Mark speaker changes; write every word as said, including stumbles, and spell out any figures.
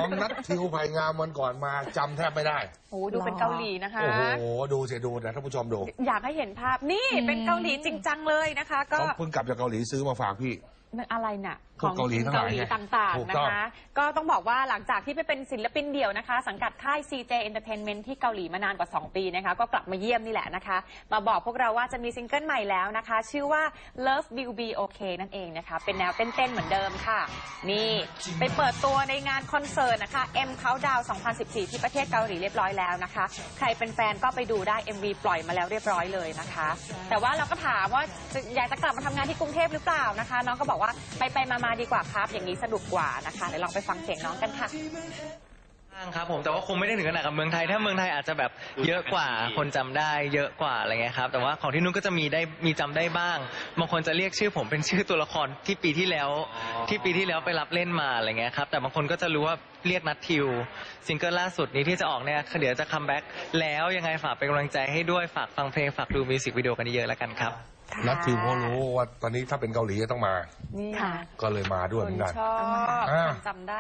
Speaker 1: ำนัดทิวไผ่งามวันก่อนมาจำแทบไม่ได้
Speaker 2: โอ้ดูเป็นเกาหลีนะคะ
Speaker 1: โอ้โหดูเสียดูนะท่านผู้ชมดู
Speaker 2: อยากให้เห็นภาพนี่เป็นเกาหลีจริงจังเลยนะคะก็
Speaker 1: เขาเพิ่งกลับจากเกาหลีซื้อมาฝากพี่
Speaker 2: มันอะไรน่ะ
Speaker 1: ของเกาหลีทั้งหลาย
Speaker 2: ต่างๆนะคะก็ต้องบอกว่าหลังจากที่ไปเป็นศิลปินเดี่ยวนะคะสังกัดค่าย ซี เจ Entertainment ที่เกาหลีมานานกว่าสองปีนะคะก็กลับมาเยี่ยมนี่แหละนะคะมาบอกพวกเราว่าจะมีซิงเกิลใหม่แล้วนะคะชื่อว่า Love Will Be Okay นั่นเองนะคะเป็นแนวเต้นๆเหมือนเดิมค่ะนี่ไปเปิดตัวในงานคอนเสิร์ตนะคะ M Countdown สองพันสิบสี่ที่ประเทศเกาหลีเรียบร้อยแล้วนะคะใครเป็นแฟนก็ไปดูได้ เอ็ม วี ปล่อยมาแล้วเรียบร้อยเลยนะคะแต่ว่าเราก็ถามว่าอยากจะกลับมาทำงานที่กรุงเทพหรือเปล่านะคะน้องก็บอกว่าไปไปมามาดีกว่าครับอย่างนี้สนุกกว่านะคะเดี๋ยวลองไปฟังเสียงน้องกันค่ะ
Speaker 3: ครับผมแต่ว่าคงไม่ได้ถึงขนาดกับเมืองไทยถ้าเมืองไทยอาจจะแบบเยอะกว่าคนจำได้เยอะกว่าอะไรเงี้ยครับแต่ว่าของที่นู้นก็จะมีได้มีจำได้บ้างบางคนจะเรียกชื่อผมเป็นชื่อตัวละครที่ปีที่แล้วที่ปีที่แล้วไปรับเล่นมาอะไรเงี้ยครับแต่บางคนก็จะรู้ว่าเรียกนัททิวซิงเกิลล่าสุดนี้ที่จะออกเนี่ยเดี๋ยวจะคัมแบ็กแล้วยังไงฝากเป็นกำลังใจให้ด้วยฝากฟังเพลงฝากดูมิวสิกวิดีโอกันเยอะแล้วกันครับ
Speaker 1: นัททิวเขารู้ว่าตอนนี้ถ้าเป็นเกาหลีต้องมาก็เลยมาด้วยเหมือนกัน
Speaker 2: ชอบจำได้